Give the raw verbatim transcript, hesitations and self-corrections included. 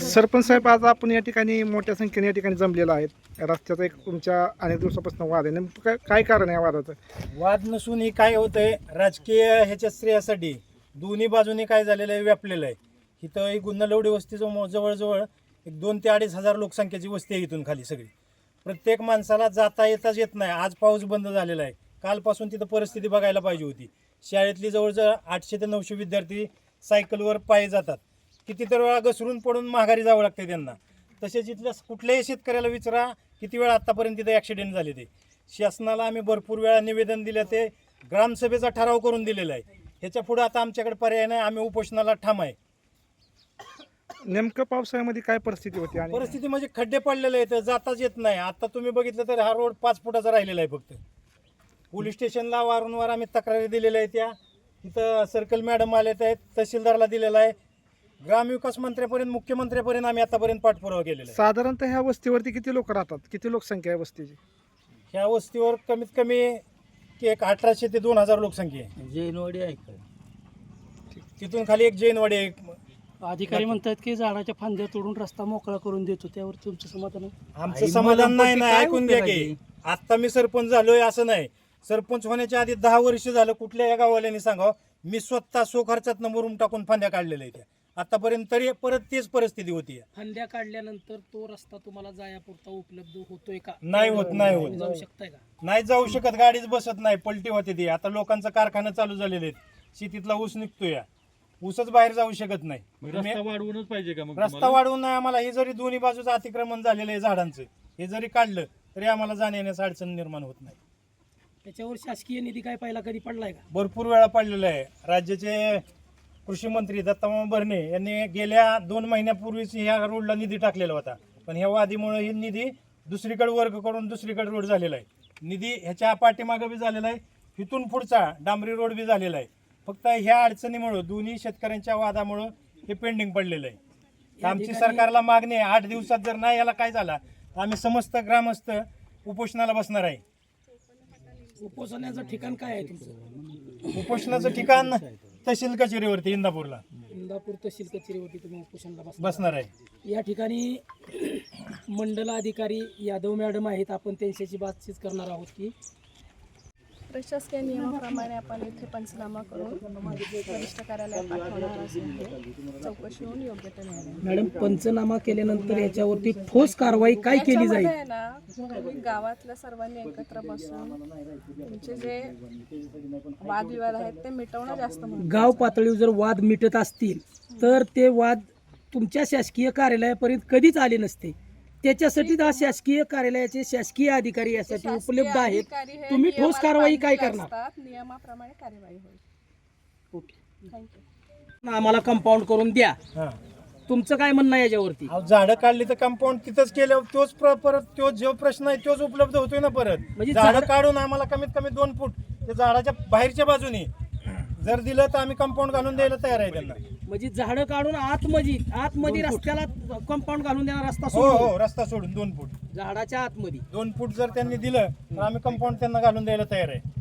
सरपंच साहेब, आज आपण या ठिकाणी मोठ्या संख्येने या ठिकाणी जमलेला आहेत. रस्त्याचा एक तुमच्या अनेक दिवसापासून वाद आहे, नेमकं काय काय कारण आहे या वादाचं? वाद नसून ही काय होतंय, राजकीय ह्याच्या श्रेयासाठी दोन्ही बाजूनी काय झालेलं आहे, व्यापलेलं आहे. इथं एक गुन्नलवडी वस्तीचं जवळजवळ एक दोन ते अडीच हजार लोकसंख्येची वस्ती आहे इथून खाली सगळी. प्रत्येक माणसाला जाता येताच येत नाही. आज पाऊस बंद झालेला आहे, कालपासून तिथं परिस्थिती बघायला पाहिजे होती. शाळेतली जवळजवळ आठशे ते नऊशे विद्यार्थी सायकलवर पायी जातात. किती तर वेळा घसरून पडून माघारी जावं लागतं त्यांना. तसेच इथल्या कुठल्याही शेतकऱ्याला विचारा किती वेळा आत्तापर्यंत तिथे ॲक्सिडेंट झाले. ते शासनाला आम्ही भरपूर वेळा निवेदन दिलं, ते ग्रामसभेचा ठराव करून दिलेला आहे. ह्याच्या पुढे आता आमच्याकडे पर्याय नाही, आम्ही उपोषणाला ठाम आहे. नेमकं पावसाळ्यामध्ये काय परिस्थिती होती? आणि परिस्थिती म्हणजे खड्डे पडलेले आहेत, जाताच येत नाही. आता तुम्ही बघितलं तर हा रोड पाच फुटाचा राहिलेला आहे फक्त. पोलीस स्टेशनला वारंवार आम्ही तक्रारी दिलेल्या आहेत. त्या तिथं सर्कल मॅडम आलेत आहेत, तहसीलदारला दिलेला आहे, ग्रामविकास मंत्र्यापर्यंत, मुख्यमंत्र्यापर्यंत आम्ही आतापर्यंत पाठपुरावा केलेला आहे. साधारणतः ह्या वस्तीवरती किती लोक राहतात? किती लोकसंख्या आहे वस्तीची? ह्या वस्तीवर कमीत कमी एक अठराशे ते दोन हजार लोकसंख्या आहे. जैनवाडी आहे का? तिथून खाली एक जैनवाडी आहे. अधिकारी म्हणतात की झाडाच्या फांद्या तोडून रस्ता मोकळा करून देतो, त्यावर तुमचं समाधान आहे? आमचं समाधान नाही ना. ऐकून घ्या की, आता मी सरपंच झालोय असं नाही. सरपंच होण्याच्या आधी दहा वर्ष झालं कुठल्या या गाववाल्यांनी सांगावं, मी स्वतः सो खर्चात मुरुम टाकून फांद्या काढलेल्या आहेत. आतापर्यंत तरी परत तेच परिस्थिती होती. फांद्या काढल्यानंतर तो रस्ता तुम्हाला जायापुरता उपलब्ध होतोय का? नाही होत, नाही होत. जाऊ शकताय का? नाही जाऊ शकत, गाडीच बसत नाही, पलटी होते ती. आता लोकांचं कारखाना चालू झालेले आहेत, शेतीतला ऊस निघतोय, ऊसच बाहेर जाऊ शकत नाही. रस्ता वाढवूनच पाहिजे का? मग रस्ता वाढवून नाही आम्हाला. हे जरी दोन्ही बाजूचं अतिक्रमण झालेलं आहे झाडांचं, हे जरी काढलं तरी आम्हाला जाण्यास अडचण निर्माण होत नाही. त्याच्यावर शासकीय निधी काय पहिला कधी पडलाय का? भरपूर वेळा पडलेलं आहे. राज्याचे कृषी मंत्री दत्तामामा भरणे यांनी गेल्या दोन महिन्यापूर्वीच ह्या रोडला निधी टाकलेला होता, पण ह्या वादीमुळे ही निधी दुसरीकडे वर्ग करून दुसरीकडे रोड झालेला आहे. निधी ह्याच्या पाठीमागं बी झालेला आहे, इथून पुढचा डांबरी रोड बी झालेला आहे. फक्त ह्या अडचणीमुळं, दोन्ही शेतकऱ्यांच्या वादामुळं हे पेंडिंग पडलेलं आहे. आमची सरकारला मागणी आहे, आठ दिवसात जर नाही याला काय झाला आम्ही समस्त ग्रामस्थ उपोषणाला बसणार आहे. उपोषणाचं ठिकाण काय आहे तुमचं? उपोषणाचं ठिकाण तहसील कचेरीवरती इंदापूरला इंदापूर तहसील कचेरीवरती तुम्ही उपोषणाला बसणार. बसणार आहे. या ठिकाणी मंडल अधिकारी यादव मॅडम आहेत, आपण त्यांच्याशी बातचीत करणार आहोत की प्रशासकीय नियमाप्रमाणे आपण इथे पंचनामा करून वरिष्ठ कार्यालयात पाठवणार असून चौकशी होऊन योग्य ते निर्णय. मॅडम, पंचनामा केल्यानंतर याच्यावरती ठोस कारवाई काय केली जाईल? त्याच्यामध्ये आहे ना, तुम्ही गावातल्या सर्वांनी एकत्र बसून तुमचे जे वादविवाद आहेत ते मिटवणं जास्त महत्त्वाचं. गाव पातळीवर जर वाद मिटत असतील तर ते वाद तुमच्या शासकीय कार्यालयापर्यंत कधीच आले नसते. त्याच्यासाठी हा शासकीय कार्यालयाचे शासकीय अधिकारी यासाठी शासकीय उपलब्ध आहेत. अधिकारी हे तुम्ही ठोस नियमाला कारवाई काय बांधील करणार? असतात, नियमाप्रमाणे कार्यवाही होईल. Okay, thank you. आम्हाला कंपाऊंड करून द्या. हां, तुमचं काय म्हणणं आहे याच्यावरती? अहो, झाडं काढली तर कंपाऊंड तिथंच केलं, तोच प्र- परत तो जो प्रश्न आहे तोच उपलब्ध होतोय ना परत. म्हणजे झाडं झाडं- काढून आम्हाला कमीत कमी दोन फूट ते झाडाच्या बाहेरच्या बाजूने जर दिलं तर आम्ही कंपाऊंड घालून द्यायला तयार आहे त्यांना. म्हणजे झाडं काढून आतमध्ये आतमध्ये रस्त्याला कंपाऊंड घालून देणार, रस्ता हो सोडून हो, रस्ता सोडून दोन फूट झाडाच्या आतमध्ये. दोन फूट जर त्यांनी दिलं तर आम्ही कंपाऊंड त्यांना घालून द्यायला तयार आहे.